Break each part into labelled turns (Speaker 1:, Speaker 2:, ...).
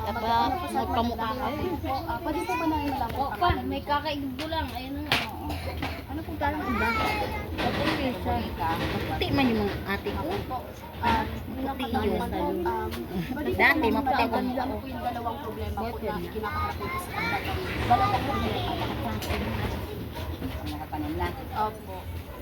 Speaker 1: Magpamukha kayo.
Speaker 2: Pwede po ba namin malaman?
Speaker 3: O, pa, may kakaigbo lang. Ayun na nga.
Speaker 2: Ano po tayo iba?
Speaker 1: Puti man yung mga ate ko.
Speaker 2: Puti
Speaker 1: yun.
Speaker 2: Dati,
Speaker 1: maputi ko.
Speaker 2: Ano po yung dalawang problema po na kinakaharap ko sa pagtatanim? Dalawang problema.
Speaker 4: Nakatanim na.
Speaker 2: Opo.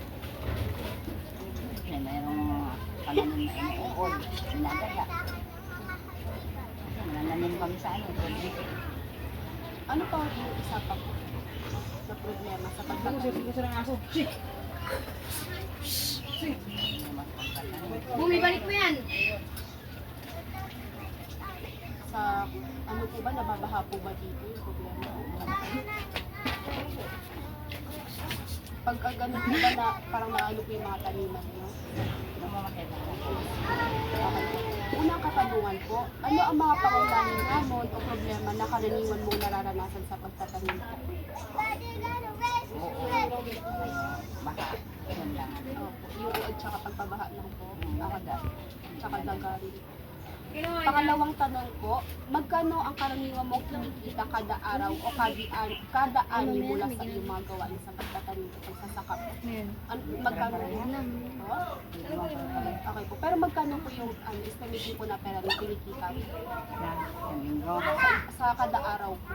Speaker 4: Kasi mayroong pananim na inuukol. Sinadala. Nanananim kami sa ano.
Speaker 2: Ano pa yung isa pa po na problema sa pagtatanim?
Speaker 3: Bumibalik mo yan.
Speaker 2: Sa ano po ba, nababaha po ba dito yung problema? Pagka ganun po ba na parang naano po yung mga taniman nyo? Unang katanungan po, ano ang mga pangunahing hamon o problema na karaniwan mong nararanasan sa pagtatanim po?
Speaker 4: Baka. Yun lang.
Speaker 2: Opo, yung uod tsaka pagpabaha lang po,
Speaker 4: Nakada.
Speaker 2: tsaka daga rin. Pangalawang tanong po, magkano ang karaniwan mong kinikita kada araw o kada ani mula sa iyong mga gawain sa pagtatanim o pagsasaka po? Magkano po? Okay po, pero magkano po yung estimation po na pera na kinikita po?
Speaker 4: Sa linggo.
Speaker 2: Sa kada araw po?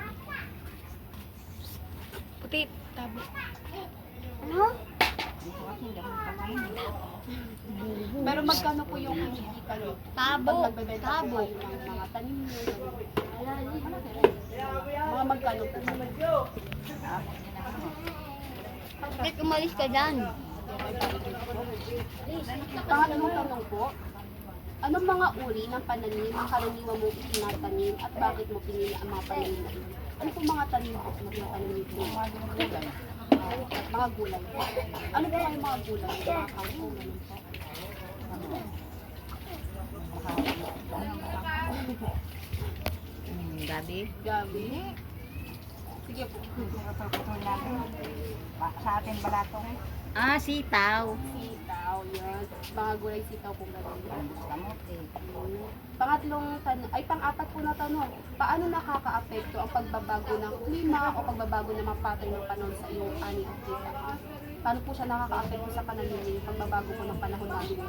Speaker 1: Puti, tabo.
Speaker 4: Dito kasi hindi ako nakakain.
Speaker 2: Pero magkano po yung kinikita nyo?
Speaker 1: Tabo.
Speaker 2: Pag nagbebenta po kayo ng mga tanim nyo, mga magkano po ba?
Speaker 1: Bakit umalis ka dyan?
Speaker 2: Pangatlong tanong po, anong mga uri ng pananim ang karaniwan mo itinatanim at bakit mo pinili ang mga pananim na ito? Ano po mga tanim po na tinatanim nito? Mga gulay po. Ano po yung mga gulay? Mga kangkong, ganun po.
Speaker 1: Gabi.
Speaker 2: Gabi. Sige po.
Speaker 4: Sa atin balatong.
Speaker 1: Ah, sitaw.
Speaker 2: Sitaw, yan. Mga gulay sitaw po ganun.
Speaker 4: Kamote.
Speaker 2: Pang-apat po na tanong. Paano nakaka-apekto ang pagbabago ng klima o pagbabago ng mga pattern ng panahon sa iyong ani at kita? Paano po siya nakaka-apekto sa pananili, pagbabago po ng panahon namin?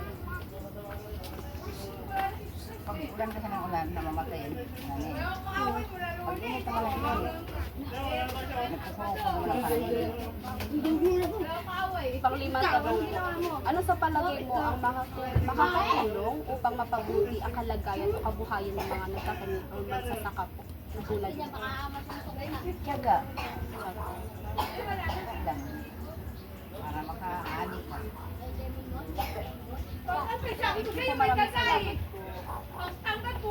Speaker 4: Pag ulan kasi ng ulan, namamatay. Pag init naman ng init, nagkukuha ko ng kanin.
Speaker 2: Pang-limang tanong po. Ano sa palagay mo ang makakatulong upang mapabuti ang kalagayan o kabuhayan ng mga nagtatanim o magsasaka po? Tulad niyo.
Speaker 4: Tiyaga. Lang. Para makaani ka.
Speaker 2: Thank you po, maraming salamat.